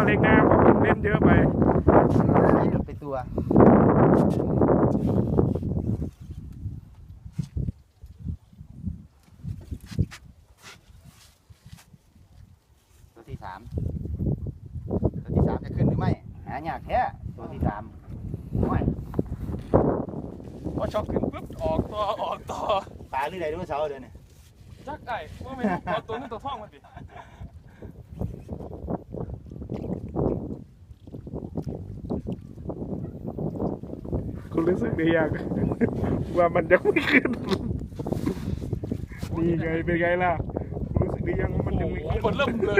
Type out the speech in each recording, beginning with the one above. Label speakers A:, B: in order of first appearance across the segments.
A: เล็กนะผมเล่นเยอะไป
B: ไปตัวที่สามจะขึ้นหรือไม่หายากแท้ตัวที่สามไม่
A: พอช็อกขึ้นปุ๊บออกต่อ
B: ปลาหรือไรด้วยเสาเดี๋ยวนี้
A: จักไอ้ว่าไม่เอาตัวนี้ตัวท่องมันดิคุณรู้สึกได้ยังว่ามันยังไม่ขึ้นนี่ไงเป็นไงล่ะคุณรู้สึกได้ยังว่ามันยังไม่ขึ้นคนเริ่มเลย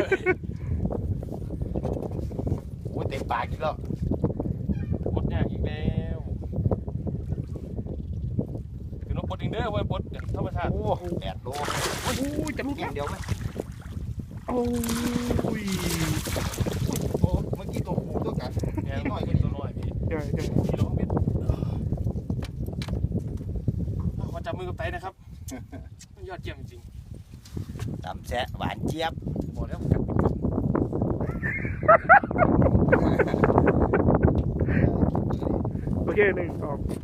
B: โอ้เต็มปากอีกแล้ว
A: ปลดยากอีกแล้วคือนกปลดเองเด้อว่าปลดธรรมชาติ
B: โอ้8 โล
A: โอ้ยจะลุก
B: อย่างเดียวไหม
A: โอ้ย
B: เมื่อกี้ตัวผูตัวกัด
A: นี่น้อยตัวน้อยพี่ใช่กิโลเมตรขอจับมือกับไตนะครับยอดเยี่ยมจริง
B: ตำแซ่หวานเจี๊ยบ
A: บอกแล้วกัดโอเค1 2